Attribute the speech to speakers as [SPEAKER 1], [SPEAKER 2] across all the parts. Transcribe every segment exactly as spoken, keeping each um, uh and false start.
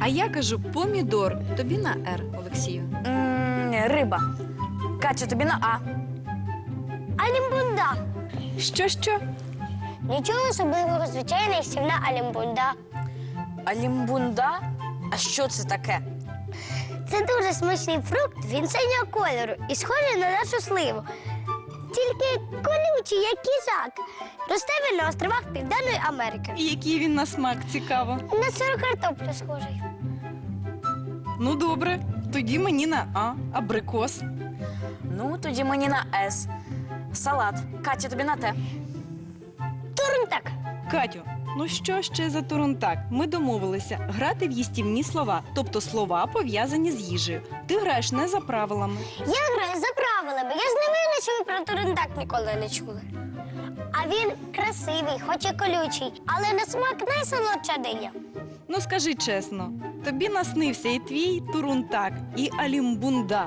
[SPEAKER 1] А я кажу помідор. Тобі на Р, Олексію.
[SPEAKER 2] М, Риба. Катя, тобі на А.
[SPEAKER 3] Алімбунда.
[SPEAKER 1] Що-що?
[SPEAKER 3] Нічого особливого, звичайна і сівна алімбунда.
[SPEAKER 2] Алімбунда? А що це таке?
[SPEAKER 3] Це дуже смачний фрукт, він синього кольору і схожий на нашу сливу. Тільки колючий, як кізак. Росте він на островах Південної Америки.
[SPEAKER 1] І який він на смак, цікаво.
[SPEAKER 3] На сиру картоплю схожий.
[SPEAKER 1] Ну, добре. Тоді мені на А. Абрикос.
[SPEAKER 2] Ну, тоді мені на С. Салат. Катя, тобі на Т.
[SPEAKER 3] Турнтак.
[SPEAKER 1] Катю, ну що ще за турунтак? Ми домовилися грати в їстівні слова, тобто слова, пов'язані з їжею. Ти граєш не за правилами.
[SPEAKER 3] Я граю за правилами. Я ж не винна, що ви про турнтак ніколи не чули. А він красивий, хоч і колючий, але на смак найсолодша диня.
[SPEAKER 1] Ну, скажи чесно, тобі наснився і твій турунтак, і алімбунда.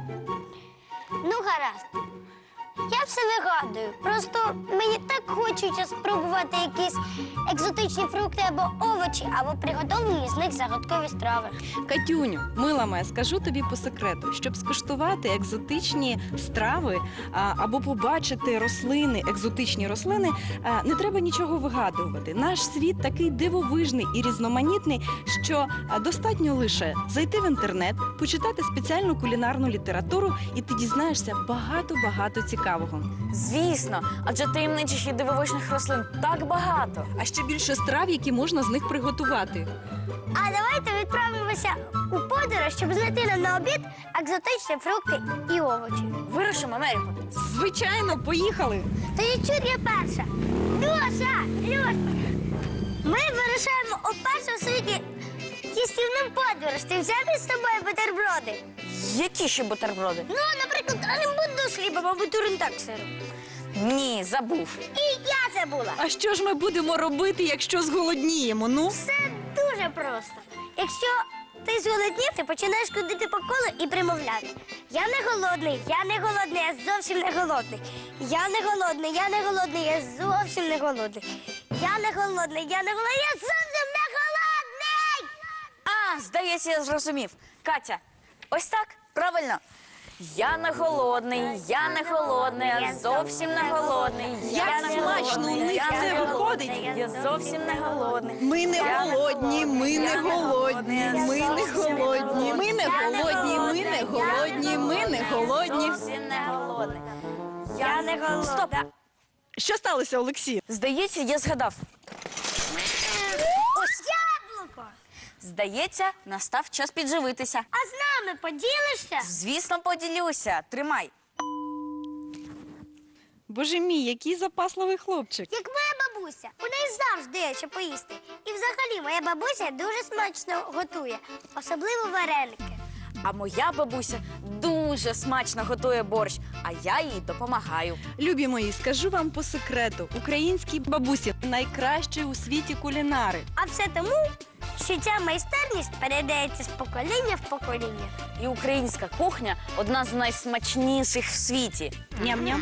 [SPEAKER 3] Ну, гаразд. Я все вигадую. Просто мені так хочеться спробувати якісь екзотичні фрукти або овочі, або приготовлені з них загадкові страви.
[SPEAKER 1] Катюню, мила моя, скажу тобі по секрету, щоб скуштувати екзотичні страви а, або побачити рослини, екзотичні рослини, а, не треба нічого вигадувати. Наш світ такий дивовижний і різноманітний, що а, достатньо лише зайти в інтернет, почитати спеціальну кулінарну літературу, і ти дізнаєшся багато-багато цікавого.
[SPEAKER 2] Звісно, адже таємничих і дивовижних рослин так багато.
[SPEAKER 1] А ще більше страв, які можна з них приготувати.
[SPEAKER 3] А давайте відправимося у подорож, щоб знайти нам на обід екзотичні фрукти і овочі.
[SPEAKER 2] Вирушимо, Америку.
[SPEAKER 1] Звичайно, поїхали!
[SPEAKER 3] Тоді чур я перша. Льоша, Льоша, ми вирушаємо у першу в світі їстівну подорож. Ти взяв із собою бутерброди?
[SPEAKER 2] Які ще бутерброди?
[SPEAKER 3] Ну, наприклад, алімбунду з хлібом або турнтак з сиром.
[SPEAKER 2] Ні, забув.
[SPEAKER 3] І я забула.
[SPEAKER 1] А що ж ми будемо робити, якщо зголодніємо? Ну?
[SPEAKER 3] Все дуже просто. Якщо ти зголоднів, ти починаєш ходити по колу і примовляти. Я не голодний, я не голодний, я зовсім не голодний. Я не голодний, я не голодний, я зовсім не голодний. Я не голодний, я не голодний, я зовсім не голодний!
[SPEAKER 2] А, здається, я зрозумів. Катя, ось так? Правильно? Я не голодний, я не голодний, я зовсім не голодний.
[SPEAKER 1] Як
[SPEAKER 2] Я не
[SPEAKER 1] смачно у
[SPEAKER 2] голодний,
[SPEAKER 1] них
[SPEAKER 2] я
[SPEAKER 1] це
[SPEAKER 2] не
[SPEAKER 1] виходить.
[SPEAKER 2] голодний, Я зовсім не голодний.
[SPEAKER 1] Ми не
[SPEAKER 2] Я не
[SPEAKER 1] голодні, ми не
[SPEAKER 2] я
[SPEAKER 1] голодні,
[SPEAKER 2] я
[SPEAKER 1] ми не
[SPEAKER 2] зовсім
[SPEAKER 1] голодні, ми не
[SPEAKER 2] Я
[SPEAKER 1] голодні, ми не
[SPEAKER 2] я
[SPEAKER 1] голодні, ми не голодні.
[SPEAKER 2] Зовсім не голодний.
[SPEAKER 3] Я не голодна.
[SPEAKER 2] Стоп!
[SPEAKER 1] Що сталося, Олексій?
[SPEAKER 2] Здається, я згадав.
[SPEAKER 3] Ось яблуко!
[SPEAKER 2] Здається, настав час підживитися.
[SPEAKER 3] А з нами поділишся?
[SPEAKER 2] Звісно, поділюся. Тримай.
[SPEAKER 1] Боже мій, який запасливий хлопчик.
[SPEAKER 3] Як моя бабуся. У неї завжди є що поїсти. І взагалі моя бабуся дуже смачно готує, особливо вареники.
[SPEAKER 2] А моя бабуся дуже смачно готує борщ, а я їй допомагаю.
[SPEAKER 1] Любі мої, скажу вам по секрету, українські бабусі найкращі у світі кулінари.
[SPEAKER 3] А все тому, що ця майстерність передається з покоління в покоління.
[SPEAKER 2] І українська кухня одна з найсмачніших в світі.
[SPEAKER 1] Ням-ням.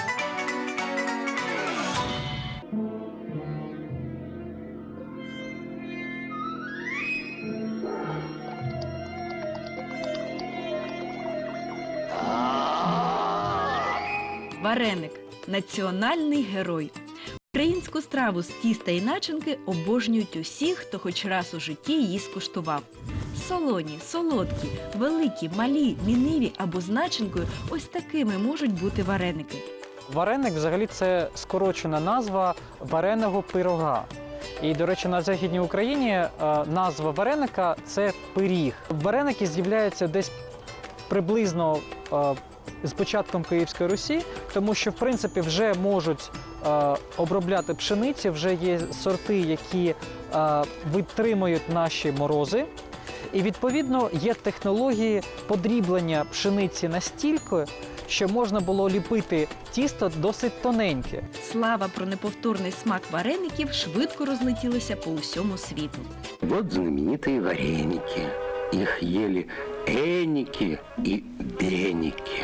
[SPEAKER 1] Вареник – національний герой. Українську страву з тіста і начинки обожнюють усі, хто хоч раз у житті її скуштував. Солоні, солодкі, великі, малі, міниві або з начинкою – ось такими можуть бути вареники.
[SPEAKER 4] Вареник взагалі це скорочена назва вареного пирога. І, до речі, на Західній Україні е, назва вареника – це пиріг. Вареники з'являються десь приблизно е, з початком Київської Русі, тому що, в принципі, вже можуть е, обробляти пшениці, вже є сорти, які е, витримують наші морози. І, відповідно, є технології подріблення пшениці настільки, що можна було ліпити тісто досить тоненьке.
[SPEAKER 1] Слава про неповторний смак вареників швидко розлетілася по усьому світу.
[SPEAKER 5] Вот знаменитые вареники. Их ели эники и беники.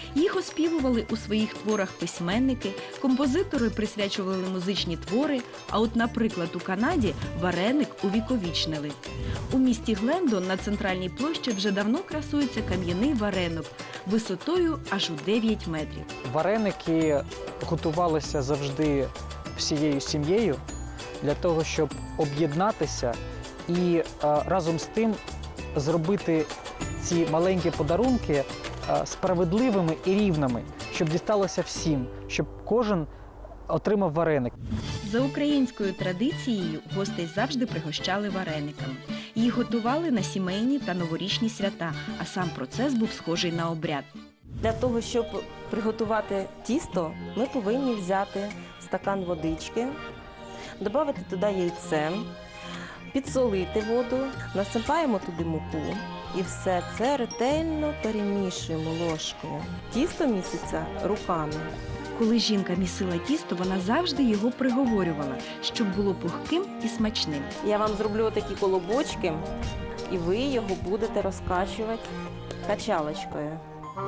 [SPEAKER 1] Їх оспівували у своїх творах письменники, композитори присвячували музичні твори, а от, наприклад, у Канаді вареник увіковічнили. У місті Глендон на центральній площі вже давно красується кам'яний варенок висотою аж у дев'ять метрів.
[SPEAKER 4] Вареники готувалися завжди всією сім'єю для того, щоб об'єднатися і е, разом з тим зробити ці маленькі подарунки е, справедливими і рівними, щоб дісталося всім, щоб кожен отримав вареник.
[SPEAKER 1] За українською традицією гостей завжди пригощали варениками. Їх готували на сімейні та новорічні свята, а сам процес був схожий на обряд.
[SPEAKER 5] Для того, щоб приготувати тісто, ми повинні взяти стакан водички, додати туди яйце, підсолити воду, насипаємо туди муку і все це ретельно перемішуємо ложкою. Тісто міситься руками.
[SPEAKER 1] Коли жінка місила тісто, вона завжди його приговорювала, щоб було пухким і смачним.
[SPEAKER 5] Я вам зроблю отакі колобочки, і ви його будете розкачувати качалочкою.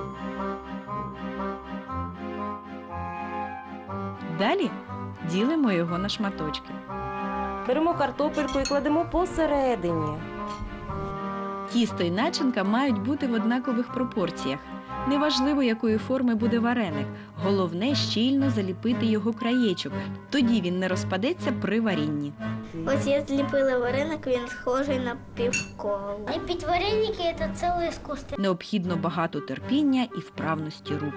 [SPEAKER 1] Далі ділимо його на шматочки.
[SPEAKER 5] Беремо картопельку і кладемо посередині.
[SPEAKER 1] Тісто і начинка мають бути в однакових пропорціях. Неважливо, якої форми буде вареник. Головне – щільно заліпити його краєчок. Тоді він не розпадеться при варінні.
[SPEAKER 3] Ось я зліпила вареник, він схожий на півколо. Ліпіть вареники – це ціле іскусство.
[SPEAKER 1] Необхідно багато терпіння і вправності рук.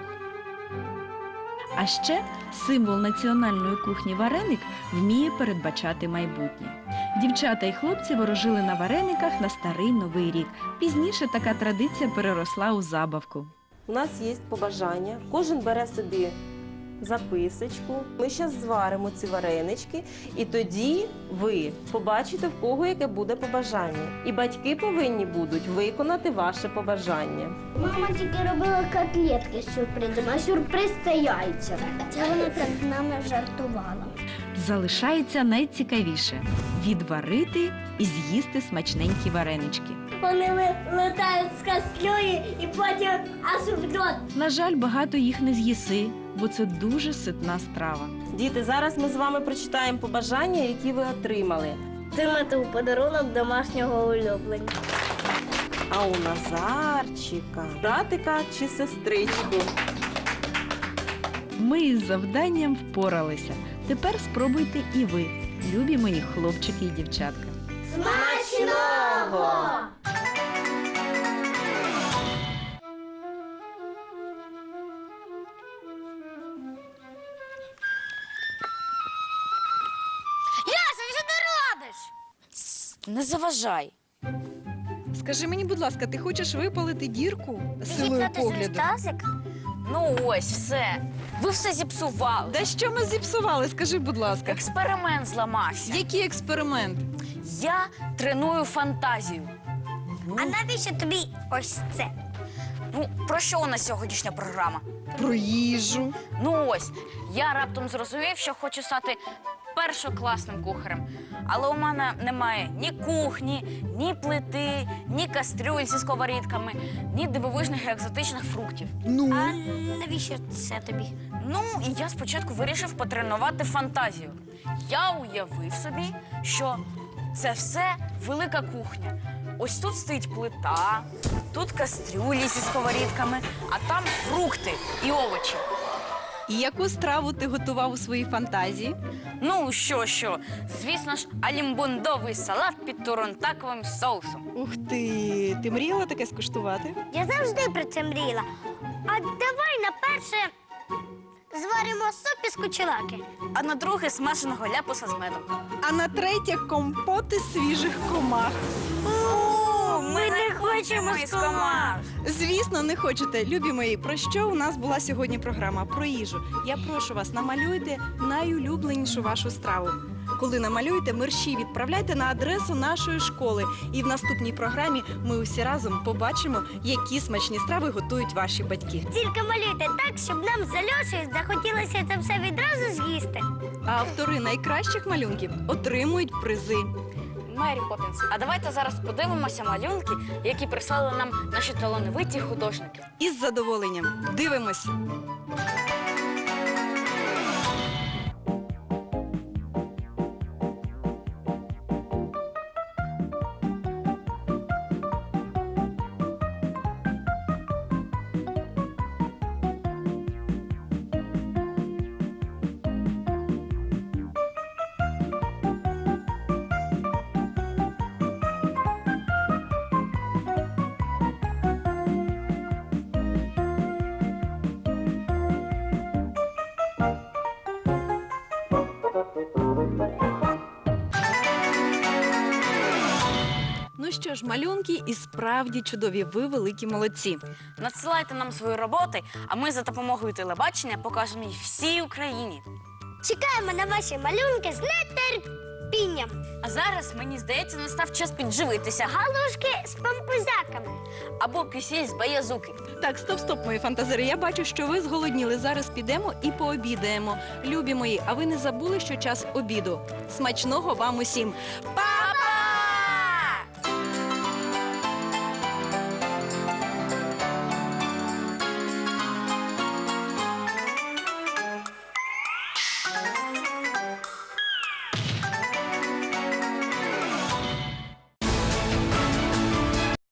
[SPEAKER 1] А ще символ національної кухні вареник вміє передбачати майбутнє. Дівчата і хлопці ворожили на варениках на старий Новий рік. Пізніше така традиція переросла у забавку.
[SPEAKER 5] У нас є побажання. Кожен бере собі записочку. Ми зараз зваримо ці варенички, і тоді ви побачите, в кого яке буде побажання. І батьки повинні будуть виконати ваше побажання.
[SPEAKER 3] Мама тільки робила котлетки з сюрпризом, а сюрприз це яйця. Це вона так з нами жартувала.
[SPEAKER 1] Залишається найцікавіше – відварити і з'їсти смачненькі варенички.
[SPEAKER 3] Вони летають з кастрюлі і потім аж в рот.
[SPEAKER 1] На жаль, багато їх не з'їси, бо це дуже ситна страва.
[SPEAKER 5] Діти, зараз ми з вами прочитаємо побажання, які ви отримали.
[SPEAKER 3] Отримати у подарунок домашнього улюблення.
[SPEAKER 5] А у Назарчика братика чи сестричку?
[SPEAKER 1] Ми із завданням впоралися. Тепер спробуйте і ви, любі мої хлопчики і дівчатка.
[SPEAKER 3] Смачного! Яся, що ти робиш?
[SPEAKER 2] Не заважай.
[SPEAKER 1] Скажи мені, будь ласка, ти хочеш випалити дірку силою погляду?
[SPEAKER 2] Ну ось, все. Ви все зіпсували.
[SPEAKER 1] Да що ми зіпсували, скажи, будь ласка.
[SPEAKER 2] Експеримент зламався.
[SPEAKER 1] Який експеримент?
[SPEAKER 2] Я треную фантазію.
[SPEAKER 3] А навіщо тобі ось це?
[SPEAKER 2] Ну, про що у нас сьогоднішня програма?
[SPEAKER 1] Про їжу.
[SPEAKER 2] Ну ось, я раптом зрозумів, що хочу стати першокласним кухарем. Але у мене немає ні кухні, ні плити, ні кастрюль зі сковорідками, ні дивовижних і екзотичних фруктів.
[SPEAKER 1] Ну?
[SPEAKER 3] А навіщо це тобі?
[SPEAKER 2] Ну, і я спочатку вирішив потренувати фантазію. Я уявив собі, що це все велика кухня. Ось тут стоїть плита, тут кастрюлі зі сковорідками, а там фрукти і овочі.
[SPEAKER 1] І яку страву ти готував у своїй фантазії?
[SPEAKER 2] Ну, що-що, звісно ж, алімбундовий салат під туронтаковим соусом.
[SPEAKER 1] Ух ти, ти мріяла таке скуштувати?
[SPEAKER 3] Я завжди про це мріяла. А давай на перше зваримо суп із кучелаки.
[SPEAKER 2] А на друге смаженого ляпуса з медом.
[SPEAKER 1] А на третє компоти свіжих комах.
[SPEAKER 2] Фу,
[SPEAKER 3] ми не хочемо
[SPEAKER 2] із комах.
[SPEAKER 1] Звісно, не хочете. Любі мої, про що у нас була сьогодні програма? Про їжу. Я прошу вас, намалюйте найулюбленішу вашу страву. Коли намалюєте, мерщій відправляйте на адресу нашої школи. І в наступній програмі ми усі разом побачимо, які смачні страви готують ваші батьки.
[SPEAKER 3] Тільки малюйте так, щоб нам з Альошею захотілося це все відразу з'їсти.
[SPEAKER 1] А автори найкращих малюнків отримують призи.
[SPEAKER 2] Мері Поппінс. А давайте зараз подивимося малюнки, які прислали нам наші талановиті художники.
[SPEAKER 1] Із задоволенням. Дивимось. Ну що ж, малюнки і справді чудові. Ви великі молодці.
[SPEAKER 2] Надсилайте нам свої роботи, а ми за допомогою телебачення покажемо їх всій Україні.
[SPEAKER 3] Чекаємо на ваші малюнки з нетерпінням.
[SPEAKER 2] А зараз, мені здається, настав час підживитися.
[SPEAKER 3] Галушки з пампузяками.
[SPEAKER 2] Або кисіль з баязуки.
[SPEAKER 1] Так, стоп, стоп, мої фантазери. Я бачу, що ви зголодніли. Зараз підемо і пообідаємо. Любі мої, а ви не забули, що час обіду. Смачного вам усім. Па!